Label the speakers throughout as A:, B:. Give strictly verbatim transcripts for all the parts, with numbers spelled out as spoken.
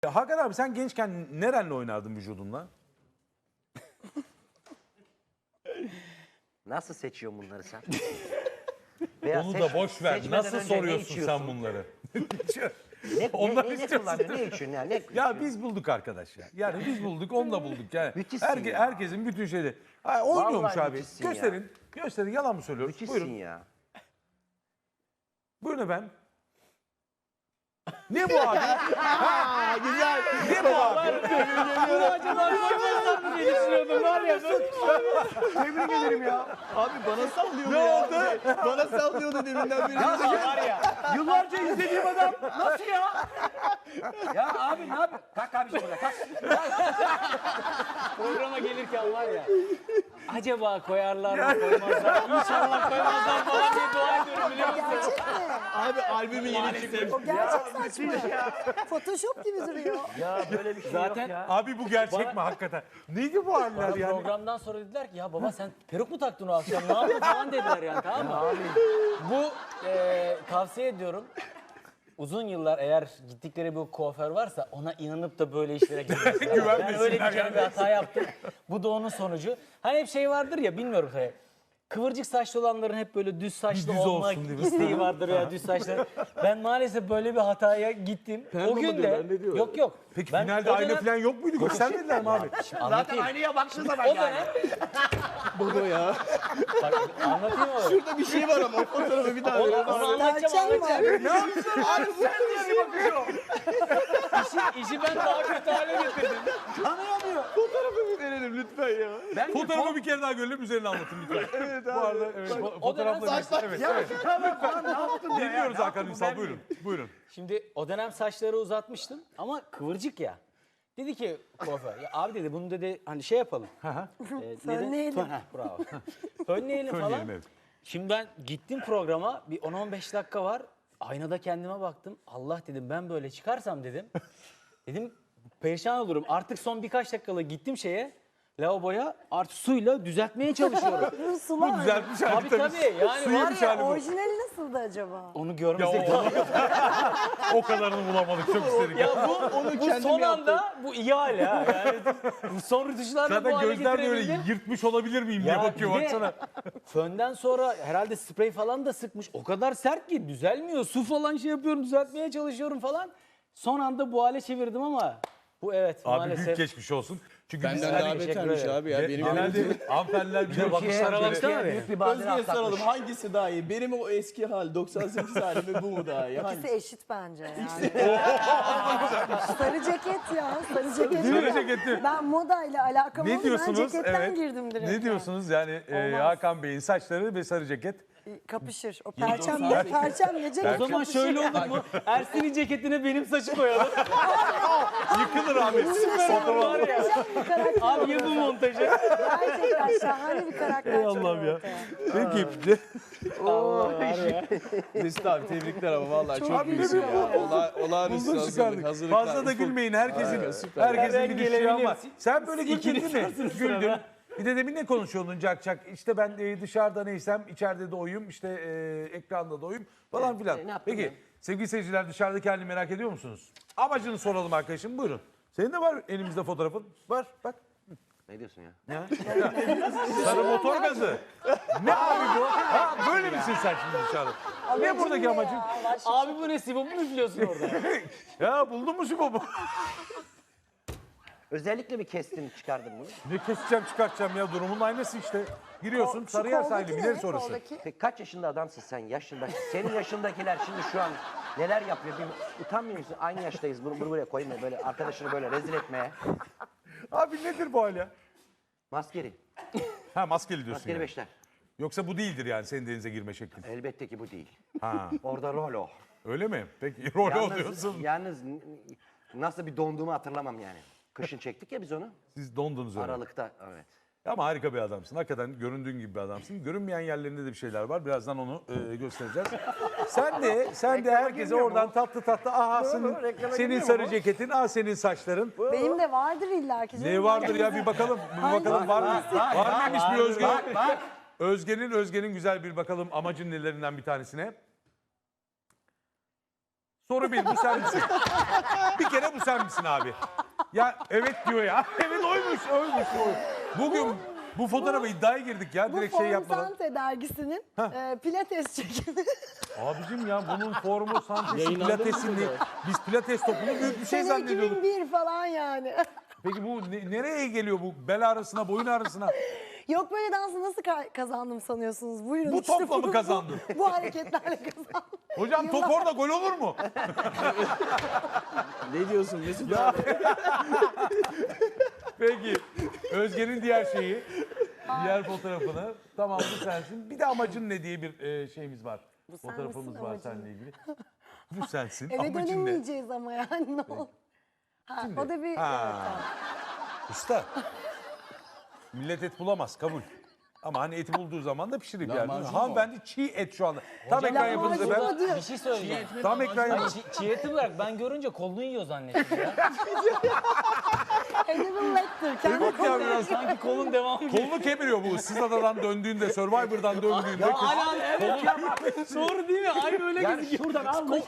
A: Hakan abi sen gençken nerenle oynardın vücudunla?
B: Nasıl seçiyorsun bunları sen?
A: Onu da boş ver. Nasıl soruyorsun sen bunları?
B: Ne,
A: Ondan
B: ne, ne, ne
A: istiyorsun.
B: kullanıyorsun? Ne için yani? Ne,
A: Ya biz bulduk arkadaş ya. Yani biz bulduk, onu da bulduk. Yani
B: Müthişsin
A: herke,
B: ya.
A: herkesin bütün şeyleri. Ay, oynuyormuş
B: Vallahi
A: abi.
B: müthişsin ya.
A: Gösterin. Gösterin. Yalan mı söylüyoruz?
B: Müthişsin
A: Buyurun.
B: ya.
A: Buyurun efendim. Ne bu abi? Ha, güzel. Ne bu abi?
C: Bunu acaba koymazlar mı diye düşünüyordum var ya.
B: Tebrik ederim ya.
D: Abi bana sallıyordu
A: Ne
D: ya.
A: oldu?
D: Bana sallıyordu deminden beri.
C: Var ya. Yıllarca izlediğim adam nasıl ya? Ya abi ne yap? Kalk abi burada kalk. Programa gelirken var ya. Acaba koyarlar mı koymazlar mı? İnşallah koymazlar falan diye dua ediyorum biliyor musun?
E: Gerçek mi?
D: Abi albümü yeni çıkmış.
E: O gerçek saç mı? Photoshop gibi duruyor.
B: Ya böyle bir şey
C: Zaten
B: yok ya.
A: Abi bu gerçek mi hakikaten? Neydi bu haller yani?
C: programdan sonra dediler ki ya baba sen peruk mu taktın o akşam ne yaptın falan dediler yani tamam mı? Bu e, tavsiye ediyorum. Uzun yıllar eğer gittikleri bir kuaför varsa ona inanıp da böyle işlere girmesinler. Ben
A: Güvenmesinler
C: öyle bir kere
A: yani.
C: bir hata yaptım. Bu da onun sonucu. Hani hep şey vardır ya bilmiyorum tabii. Kıvırcık saçlı olanların hep böyle düz saçlı
A: Düz
C: olma
A: olsun değil mi?
C: isteği vardır ya düz saçlı. Ben maalesef böyle bir hataya gittim. o gün de yok yok.
A: Peki
C: Ben
A: finalde
C: o
A: ayna
C: dönem-
A: falan yok muydu? Göstermediler mi abi?
B: Zaten aynaya baktığın zaman
C: O
B: yani.
C: dönem
D: Baba ya.
C: bak, anlatayım mı?
D: Şurada bir şey var ama o fotoğrafı bir daha
C: Onu,
D: verelim.
C: onu anlatacağım
E: Perçem
C: anlatacağım.
E: var.
B: Abi sen diye bakıyor.
C: İşi, işi ben daha kötü hale getirdim.
B: Tanıyamıyor.
D: Fotoğrafı bir verelim lütfen ya.
B: Ben
A: Fotoğrafı bir kere daha görelim, üzerine anlatın lütfen.
D: Evet
A: Bu
D: abi.
A: arada evet, fo-
C: o dönem
A: fotoğrafları...
D: saçlar-
A: Evet,
B: ya
A: evet.
B: tamam falan ne yaptın ya?
A: Dinliyoruz
B: Ne
A: Hakan
B: yaptın bu
A: Ünsal,
B: ben
A: buyurun. Buyurun.
C: Şimdi o dönem saçları uzatmıştım ama kıvırcık ya. Dedi ki kuaför, ya abi dedi bunu dedi hani şey yapalım. Ee, neden-
E: Fönleyelim.
C: Fön- heh, bravo. Fönleyelim falan.
A: Fönleyelim, evet.
C: Şimdi ben gittim programa bir on on beş dakika var. Aynada kendime baktım. Allah dedim ben böyle çıkarsam dedim. Dedim perişan olurum. Artık son birkaç dakikada gittim şeye. Lavaboya artık suyla düzeltmeye çalışıyorum.
E: Bu sular.
A: Düzeltmiş hali
C: Tabii
A: tabii.
C: tabii yani
A: Su
C: var
A: yemiş
C: ya
A: hali bu.
E: Orijinali nasıldı acaba?
C: onu
A: Ya
C: görmesek
A: o, o kadarını bulamadık, çok istedik.
C: Ya bu,
D: Onu
C: bu
D: kendim
C: son
D: yaptım.
C: anda bu iyi hal ya. Yani bu son rütuşlarla bu
A: Zaten
C: hale
A: gözler böyle
C: getirebildim.
A: yırtmış olabilir miyim diye
C: Ya
A: bakıyor
C: bir de
A: baksana.
C: Fönden sonra herhalde sprey falan da sıkmış. O kadar sert ki düzelmiyor. Su falan şey yapıyorum düzeltmeye çalışıyorum falan. Son anda bu hale çevirdim ama bu evet
A: Abi
C: maalesef.
A: büyük geçmiş olsun. Çünkü biz
D: Benden
A: hani
D: daha betermiş
C: ederim.
D: abi ya. Benim
A: genelde hanımefendiler bize bakışlar
C: baksana
A: böyle.
C: be.
B: Büyük bir badire
D: Özge'ye soralım
B: atlatmış.
D: hangisi daha iyi? Benim o eski hal doksan sekiz halim mi bu mu daha iyi?
E: İkisi
D: Hangisi?
E: eşit bence yani. Sarı ceket ya. Sarı ceket.
A: Sarı ceketi.
E: Ben modayla alakam
A: Ne
E: oldu. Ben
A: diyorsunuz?
E: ceketten
A: Evet.
E: girdim direkt.
A: Ne diyorsunuz yani e,
E: Olmaz.
A: Hakan Bey'in saçları ve sarı ceket?
E: Yani. Kapışır. O perçemle, perçemle ceket
C: O zaman
E: kapışır.
C: şöyle olur mu? Ersin'in ceketine benim saçı koyalım.
A: Yıkılır abi.
C: Var ya.
E: Bir karakter
C: Abi yapın montajı.
E: Gerçekten şahane bir karakter
A: Ey Allah'ım
E: çıkıyor
A: ya.
E: ortaya.
A: Peki.
C: Allah var ya.
D: Mesut abi tebrikler ama vallahi çok,
E: Çok
D: iyisin
E: iyi.
D: ya. Ola, olağanüstü
A: Bulduk
D: hazırlık,
A: çıkardık.
D: hazırlıklar.
A: Fazla da
D: Ufuk.
A: gülmeyin. Herkesin
D: Harika, süper.
A: herkesin
C: Ben
A: bir düşüyor ama.
C: gelebilirim.
A: Sen böyle güldün
C: İkiniz
A: değil mi?
C: varsınız
A: Güldün.
C: sırada.
A: Bir de demin ne konuşuyordun Cak Cak? İşte ben e, dışarıda neysem içeride de oyum, işte e, ekranda da oyum falan filan.
B: e, ne yaptın
A: Peki
B: ya?
A: sevgili seyirciler dışarıdaki halini merak ediyor musunuz? Amacını soralım arkadaşım, buyurun. Senin de var elimizde fotoğrafın. Var bak.
B: Ne diyorsun ya?
A: Ya. Sarı motor gazı. Ne abi bu? Ha, böyle misin sen şimdi dışarıda? Ne buradaki amacın?
C: Abi bu ne Sibop mu üflüyorsun orada?
A: Ya buldun mu Sibobu?
B: Özellikle mi kestin çıkardın bunu?
A: Ne keseceğim çıkartacağım ya, durumun aynısı işte. Giriyorsun
E: Şu
A: Sarıyer
E: koldaki
A: sahili
E: ne?
A: ileri sonrası.
E: Koldaki.
B: Peki kaç yaşında adamsın sen yaşında? Senin yaşındakiler şimdi şu an neler yapıyor? Bir utanmıyor musun? Aynı yaştayız. Bunu, bunu buraya koyma böyle arkadaşını böyle rezil etmeye.
A: Abi nedir bu hal ya?
B: Maskeri.
A: Ha, maskeli diyorsun
B: Maskeri
A: yani.
B: beşler.
A: Yoksa bu değildir yani senin denize girme şeklin.
B: Elbette ki bu değil.
A: Ha,
B: Orada rol o.
A: öyle mi? Peki rol
B: Yalnız,
A: oluyorsun.
B: yalnız n- nasıl bir donduğumu hatırlamam yani. Kışın çektik ya biz onu.
A: Siz dondunuz öyle.
B: Aralıkta evet.
A: Ama harika bir adamsın. Hakikaten göründüğün gibi bir adamsın. Görünmeyen yerlerinde de bir şeyler var. Birazdan onu e, göstereceğiz. Sen de sen de
B: Reklama
A: herkese
B: girmiyor mu?
A: oradan tatlı tatlı aha senin,
B: reklama
A: senin
B: girmiyor
A: sarı
B: mu?
A: ceketin, ah senin saçların.
E: Benim de vardır illa ki.
A: Ne vardır ya, bir bakalım. Bir bakalım var mı? Var mıymış bir Özge? Özge'nin Özge'nin güzel bir bakalım amacın nelerinden bir tanesine. Soru bir, bu sen misin? Bir kere bu sen misin abi? Ya evet diyor ya. Evet oymuş, oymuş. oymuş. Bugün bu fotoğrafa iddiaya girdik ya.
E: Bu
A: Direkt şey
E: Form
A: yapmadan.
E: Sante dergisinin e, pilates çekimi.
A: Abicim ya bunun formu, santesi,
D: Yayınlandı mı
A: pilatesini.
D: bu?
A: Biz pilates topunu büyük bir şey
E: Sene
A: zannediyorduk.
E: iki bin bir falan yani.
A: Peki bu ne- nereye geliyor bu? Bel ağrısına, boyun ağrısına?
E: Yok böyle dansı nasıl ka- kazandım sanıyorsunuz? Buyurun
A: Bu
E: işte
A: topla mı
E: bu-
A: kazandın?
E: Bu, bu hareketlerle kazandım.
A: Hocam top
E: Yıllar-
A: orada gol olur mu?
D: Ne diyorsun Mesut abi?
A: Peki. Özge'nin diğer şeyi, diğer fotoğrafını. Tamam bu sensin. Bir de amacın ne diye bir e, şeyimiz var.
E: Bu sen
A: Fotoğrafımız
E: misin,
A: var
E: amacın
A: seninle ilgili. Bu sensin.
E: Eve
A: amacın ne?
E: dönemeyeceğiz ama yani ne oldu? Ha, o da bir...
A: Ha.
E: Evet, tamam.
A: Usta. Millet et bulamaz kabul. Ama hani eti bulduğu zaman da pişirip yer.
D: Lahmacun mu?
A: Hanımefendi çiğ et şu anda. Tam ekran
C: Lahmacun
A: yapınızda
E: mu?
A: ben.
E: diyor.
C: Bir şey söyleyeceğim.
A: Tam ekran
C: Ay,
A: yapınızda.
C: çi- çiğ eti bırak. Ben görünce kolunu yiyor zannettim ya.
E: Hannibal Lecter. Kendi
A: Evet ya biraz.
C: Sanki kolun devamı gibi.
A: Kolunu kemiriyor bu. Issız adadan döndüğünde, Survivor'dan döndüğünde.
C: Ya hala evet ya bak. Doğru değil mi? Aynı öyle
B: Yani
C: gözüküyor.
B: şuradan almış.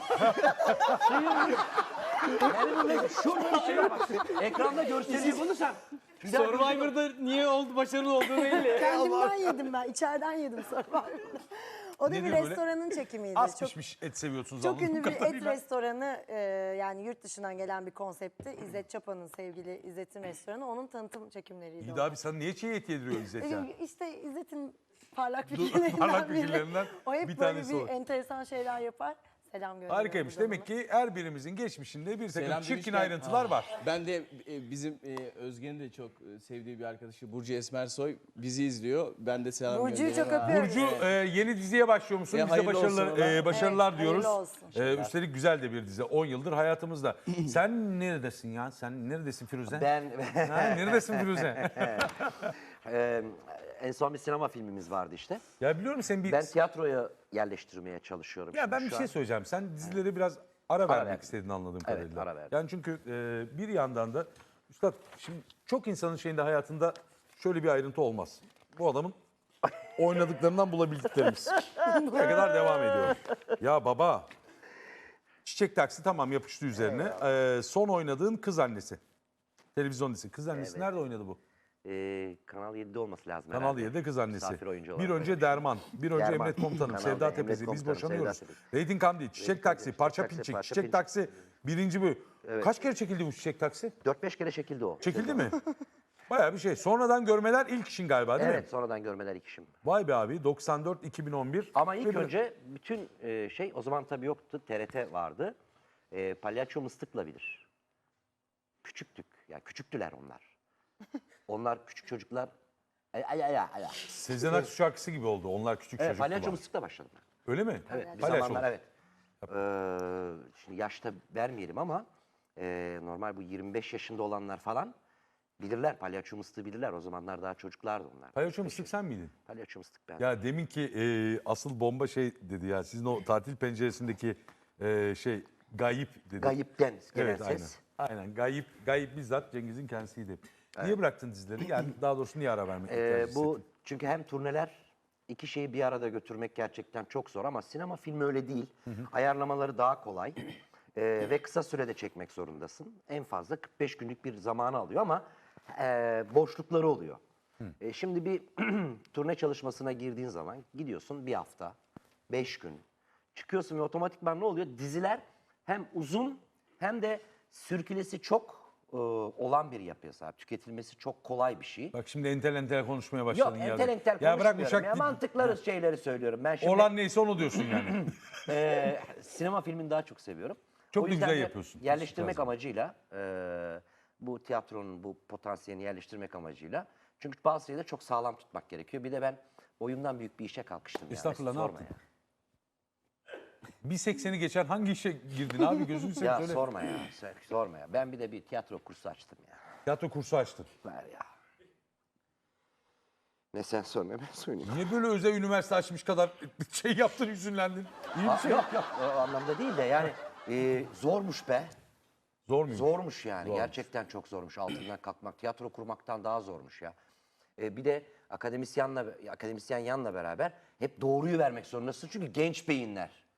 B: Yani şuradan şey bak. Ekranda görseli bunu sen.
C: Survivor'da niye oldu başarılı olduğu belli.
E: Kendimden yedim ben. İçeriden yedim Survivor'da. O da
A: Nedir
E: bir
A: böyle?
E: restoranın çekimiydi.
A: Az
E: çok
A: pişmiş et seviyorsunuz
E: çok
A: anladığım
E: ünlü bir et
A: kadarıyla.
E: restoranı e, yani yurt dışından gelen bir konseptti. İzzet Çapa'nın sevgili İzzet'in restoranı. Onun tanıtım çekimleriydi.
A: İyi
E: o.
A: de abi sana niye çiğ et yediriyor İzzet ya?
E: E, İşte İzzet'in parlak
A: Dur,
E: fikirlerinden
A: parlak
E: biri.
A: fikirlerinden
E: O hep
A: bir
E: böyle
A: tanesi
E: bir
A: o.
E: enteresan şeyler yapar. Selam gönderiyorum.
A: Harikaymış.
E: buradan
A: Demek
E: ona.
A: ki her birimizin geçmişinde bir takım
D: Selam
A: çirkin
D: demişken-
A: ayrıntılar var.
D: Ben de e, bizim e, Özge'nin de çok e, sevdiği bir arkadaşı Burcu Esmersoy bizi izliyor. Ben de selam
E: Burcu'yu çok
D: gönderiyorum.
E: öpüyorum.
A: Burcu e, yeni diziye başlıyor musun?
D: E,
A: Biz de
D: hayırlı
A: başarılar,
D: olsun ona.
A: e, başarılar
E: Evet,
A: diyoruz.
E: hayırlı olsun.
A: E, üstelik güzel de bir dizi. on yıldır hayatımızda. Sen neredesin ya? Sen neredesin Firuze?
B: Ben
A: Ha, neredesin Firuze?
B: Ee, en son bir sinema filmimiz vardı işte.
A: Ya biliyorum sen bir...
B: Ben tiyatroya yerleştirmeye çalışıyorum.
A: Ya
B: şimdi
A: ben bir
B: şu
A: şey
B: an.
A: söyleyeceğim. Sen dizileri biraz ara vermek
B: verdim.
A: istediğini anladığım
B: Evet,
A: kadarıyla.
B: ara verdim.
A: Yani çünkü e, bir yandan da üstad şimdi çok insanın şeyinde hayatında şöyle bir ayrıntı olmaz. Bu adamın oynadıklarından bulabildiklerimiz. Ne kadar devam ediyor. Ya baba Çiçek Taksi tamam yapıştı üzerine. E, son oynadığın Kız Annesi. Televizyon dizisi. Kız Annesi
B: Evet.
A: nerede oynadı bu?
B: Ee, Kanal yedide olması lazım
A: Kanal
B: herhalde.
A: yedide Kız Annesi.
B: Misafir oyuncu
A: Bir
B: olarak.
A: önce Derman, bir önce
B: Derman.
A: Emret Komutanım,
B: Kanalda
A: Sevda
B: Emret
A: Tepesi, Biz
B: Komutanım,
A: Boşanıyoruz.
B: Sevda Tepesi.
A: Reyting Kamdi, Çiçek
B: Reyting
A: Taksi,
B: Kamdi,
A: Parça
B: Çiçek Taksi,
A: Pinçik,
B: Parça
A: Çiçek
B: Pinçik.
A: Taksi birinci bölüm.
B: Evet.
A: Kaç kere çekildi bu Çiçek Taksi?
B: dört beş kere çekildi o.
A: Çekildi mi? Bayağı bir şey. Sonradan görmeler ilk işin galiba değil
B: Evet,
A: mi?
B: sonradan görmeler ilk işim.
A: Vay be abi doksan dört iki bin on bir.
B: Ama ilk
A: Ve bir-
B: önce bütün e, şey, o zaman tabii yoktu, T R T vardı. E, Palyaço Mıstık'la bilir. Küçüktük, ya küçüktüler onlar. Onlar küçük çocuklar. Ay ay ay ay.
A: Sezen Aksu şarkısı gibi oldu. Onlar küçük
B: Evet,
A: çocuk.
B: Palyaço
A: falan.
B: Mıstık'la başladım ben.
A: Öyle mi?
B: Evet, bir
A: Palyaço.
B: zamanlar evet. Ee, şimdi yaşta vermeyelim ama e, normal bu yirmi beş yaşında olanlar falan bilirler. Palyaço Mıstık'ı bilirler. O zamanlar daha çocuklardı onlar.
A: Palyaço Mıstık sen miydin?
B: Palyaço Mıstık ben.
A: Ya demin ki e, asıl bomba şey dedi ya. Sizin o tatil penceresindeki e, şey gayip dedi.
B: Gayipten gelen
A: Evet aynen.
B: ses.
A: Aynen gayip, gayip bizzat Cengiz'in kendisiydi. Niye bıraktın dizileri? Yani daha doğrusu niye ara vermek
B: Ee,
A: tercih
B: bu
A: ettin?
B: çünkü hem turneler iki şeyi bir arada götürmek gerçekten çok zor ama sinema filmi öyle değil. Ayarlamaları daha kolay. Ee, ve kısa sürede çekmek zorundasın. En fazla kırk beş günlük bir zamanı alıyor ama e, boşlukları oluyor. E, şimdi bir turne çalışmasına girdiğin zaman gidiyorsun bir hafta, beş gün. Çıkıyorsun ve otomatikman ne oluyor? Diziler hem uzun hem de sürkülesi çok e, olan bir yapıya sahip. Tüketilmesi çok kolay bir şey.
A: Bak şimdi entel entel konuşmaya
B: Yok
A: başladın ya.
B: entel entel
A: Ya bırak
B: konuşmuyorum
A: uçak
B: ya. Mantıkları şeyleri söylüyorum. Ben şimdi
A: olan neyse onu diyorsun yani.
B: e, sinema filmini daha çok seviyorum.
A: Çok
B: O
A: da
B: yüzden
A: güzel
B: de
A: yapıyorsun.
B: Yerleştirmek
A: Lazım.
B: amacıyla e, bu tiyatronun bu potansiyelini yerleştirmek amacıyla. Çünkü bazı şeyleri çok sağlam tutmak gerekiyor. Bir de ben oyundan büyük bir işe kalkıştım. ya.
A: Estağfurullah,
B: Mesut,
A: ne
B: sorma
A: yaptın? bir sekseni geçen hangi işe girdin abi gözünü
B: Ya,
A: seveyim
B: ya
A: söyle.
B: sorma ya. sen- Sorma ya. Ben bir de bir tiyatro kursu açtım ya.
A: Tiyatro kursu açtın.
B: Ver ya. Ne sen sor ne ben söyleyeyim.
A: Niye böyle özel üniversite açmış kadar şey yaptın hüzünlendin? İyi bir
B: Aa,
A: şey.
B: yok yok o anlamda değil de yani e, zormuş be.
A: Zor muyum?
B: Zormuş yani.
A: Zormuş.
B: Gerçekten çok zormuş altından kalkmak. Tiyatro kurmaktan daha zormuş ya. E, bir de akademisyenle akademisyen yanla beraber hep doğruyu vermek zorundasın. Çünkü genç beyinler.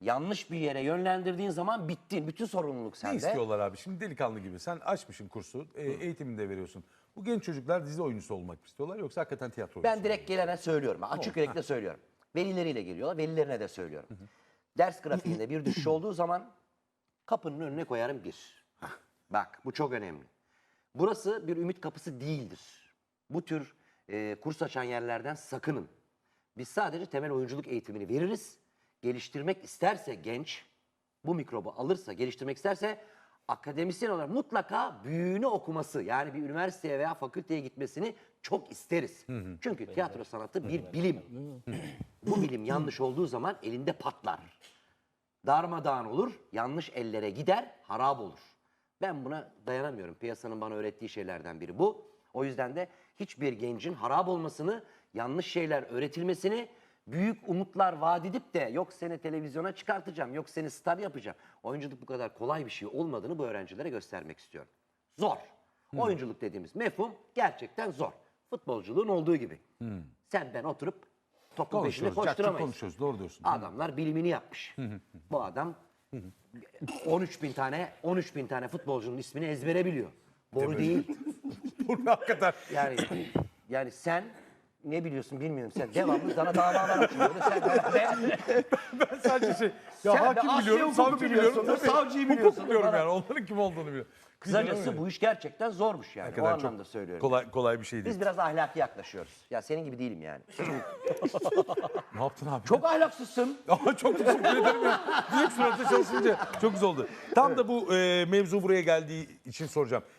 B: yanlış bir yere yönlendirdiğin zaman bittin. Bütün sorumluluk
A: Ne
B: sende.
A: istiyorlar abi? Şimdi delikanlı gibi. Sen açmışsın kursu, e, eğitimini de veriyorsun. Bu genç çocuklar dizi oyuncusu olmak mı istiyorlar yoksa hakikaten tiyatro oyuncusu
B: Ben
A: mu?
B: direkt gelene söylüyorum. Açık yürekli söylüyorum. Velileriyle geliyorlar. Velilerine de söylüyorum. Ders grafiğinde bir düşüş olduğu zaman kapının önüne koyarım bir. Bak bu çok önemli. Burası bir ümit kapısı değildir. Bu tür e, kurs açan yerlerden sakının. Biz sadece temel oyunculuk eğitimini veririz. Geliştirmek isterse genç, bu mikrobu alırsa, geliştirmek isterse akademisyen olarak mutlaka büyüğünü okuması, yani bir üniversiteye veya fakülteye gitmesini çok isteriz. Çünkü tiyatro sanatı bir bilim. Bu bilim yanlış olduğu zaman elinde patlar. Darmadağın olur, yanlış ellere gider, harap olur. Ben buna dayanamıyorum. Piyasanın bana öğrettiği şeylerden biri bu. O yüzden de hiçbir gencin harap olmasını, yanlış şeyler öğretilmesini, büyük umutlar vaat edip de yok seni televizyona çıkartacağım, yok seni star yapacağım. Oyunculuk bu kadar kolay bir şey olmadığını bu öğrencilere göstermek istiyorum. Zor. Oyunculuk dediğimiz mefhum gerçekten zor. Futbolculuğun olduğu gibi. Sen ben oturup topun peşinde
A: Konuşuyoruz, cakçı
B: koşturamayız.
A: konuşuyoruz. Doğru diyorsun.
B: Adamlar bilimini yapmış. Bu adam on üç bin tane on üç bin tane futbolcunun ismini ezbere biliyor. Boru değil.
A: Bu hakikaten.
B: Yani yani sen ne biliyorsun bilmiyorum. Sen devamlı sana davalar açılıyor. Sen de,
A: Ben sadece şey, ya
B: Sen de
A: hakim
B: Asya
A: biliyorum,
B: hukuku
A: savcı
B: biliyorsun,
A: biliyorum. tabii.
B: savcıyı
A: Hukuk
B: biliyorsun
A: biliyorum
B: falan.
A: yani. Onların kim olduğunu biliyorum.
B: kısacası bu iş gerçekten zormuş yani.
A: Hakikaten
B: o
A: çok
B: anlamda söylüyorum.
A: Kolay, kolay bir şey değil.
B: Biz biraz ahlaki yaklaşıyoruz. Ya senin gibi değilim yani.
A: Ne yaptın abi?
B: Çok ahlaksızsın.
A: Ama çok teşekkür ederim ya. Direkt suratı çalışınca çok güzel oldu. Tam da bu e, mevzu buraya geldiği için soracağım.